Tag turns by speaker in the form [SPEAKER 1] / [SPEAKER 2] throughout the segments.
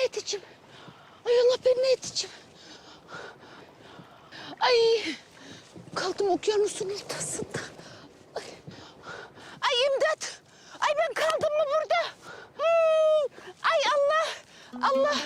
[SPEAKER 1] ne edeceğim? Ay Allah ben ne edeceğim? Ay kaldım okyanusun ortasında. Ay imdat. Ay ben kaldım mı burada? Ay Allah. Allah.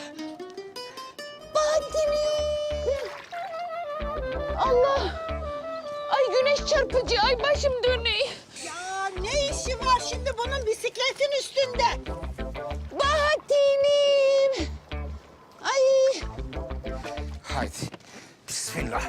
[SPEAKER 1] Bahattin'im. Allah. Ay güneş çarpıcı. Ay başım dönüyor.
[SPEAKER 2] Ya ne işi var şimdi bunun bisikletin üstünde?
[SPEAKER 1] Bahattin'im. Ay.
[SPEAKER 3] Haydi. Bismillah.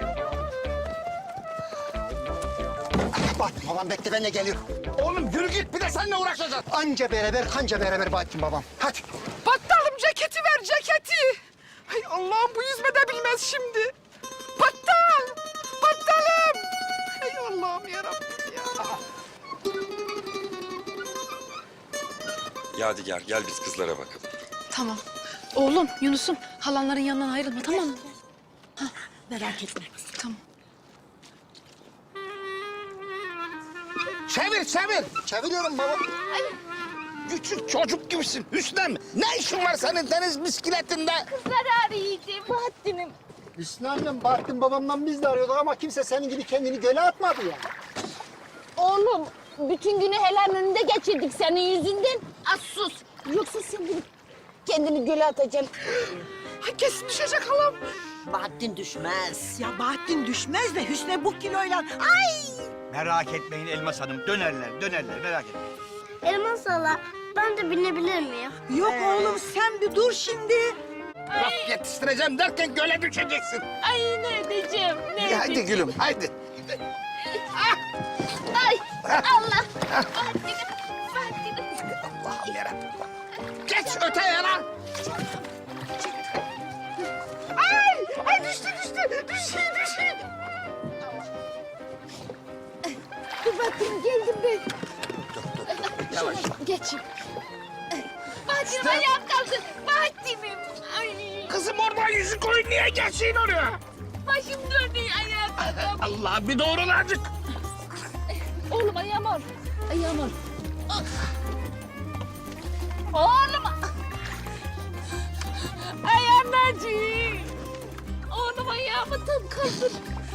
[SPEAKER 4] Bahattin babam bekle, ben de geliyorum.
[SPEAKER 3] Oğlum yürü git, bir de seninle uğraşacağız.
[SPEAKER 4] Anca beraber, kanca beraber Bahattin babam. Hadi.
[SPEAKER 5] Battalım ceketi ver ceketi. Hay Allah'ım bu yüzme de bilmez şimdi. Battal. Battalım. Hay Allah'ım yarabbim ya.
[SPEAKER 6] Yadigar gel biz kızlara bakalım.
[SPEAKER 7] Tamam. Oğlum, Yunus'um halanların yanından ayrılma tamam mı?
[SPEAKER 2] Merak etme.
[SPEAKER 7] Tamam.
[SPEAKER 3] Çevir, çevir.
[SPEAKER 4] Çeviriyorum baba.
[SPEAKER 3] Küçük çocuk gibisin Hüsnem. Ne işin var senin deniz bisikletinde?
[SPEAKER 1] Zarar yiyeceğim Bahattin'im.
[SPEAKER 4] Hüsnü annem, Bahattin babamdan biz de arıyorduk ama kimse senin gibi kendini göle atmadı ya.
[SPEAKER 1] Oğlum bütün günü helalin önünde geçirdik senin yüzünden. Az sus. Yoksa sen gidip kendini göle atacaksın.
[SPEAKER 5] Ay kesin düşecek halam.
[SPEAKER 2] Bahattin düşmez. Ya Bahattin düşmez de Hüsnü bu kiloyla... Ay!
[SPEAKER 8] Merak etmeyin Elmas Hanım. Dönerler merak etmeyin.
[SPEAKER 9] Elmas hala, ben de binebilir miyim?
[SPEAKER 2] Yok oğlum sen bir dur şimdi.
[SPEAKER 3] Laf yetiştireceğim derken göle düşeceksin.
[SPEAKER 1] Ay ne edeceğim, ne edeceğim?
[SPEAKER 3] Hadi gülüm, haydi.
[SPEAKER 1] Ay Allah. Bahattin'im, Bahattin'im.
[SPEAKER 3] Allah'ım yarabbim. Geç öteye lan.
[SPEAKER 5] Ay düştü. Düşeyim.
[SPEAKER 1] Dur Bahattin'im geldim ben.
[SPEAKER 3] Yavaş.
[SPEAKER 1] Geçin. Bahattin'im ayağım kaldı. Bahattin'im. Ay
[SPEAKER 3] Kızım oradan yüzük koyun, niye geçsin oraya?
[SPEAKER 1] başım dönüyor ayağım kaldı.
[SPEAKER 3] Allah bir doğrul azıcık.
[SPEAKER 1] Oğlum ayağım al. Ayağım al. Oğlum. Ayağım acıyor. Oğlum ayağımı tam kaldır.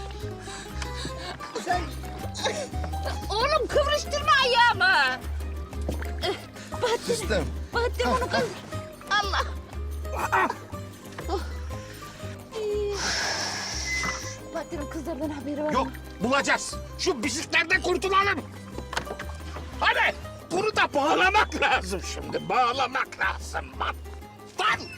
[SPEAKER 1] Sen... Oğlum kıvrıştırma ayağımı.
[SPEAKER 3] Kızım.
[SPEAKER 1] Bahattin onu kaldır. Allah. Oh. Bahattin'in kızlardan haberi var
[SPEAKER 3] Yok,
[SPEAKER 1] mı?
[SPEAKER 3] bulacağız. Şu bisikletten kurtulalım. Hadi, bunu da bağlamak lazım şimdi. Bağlamak lazım. Lan!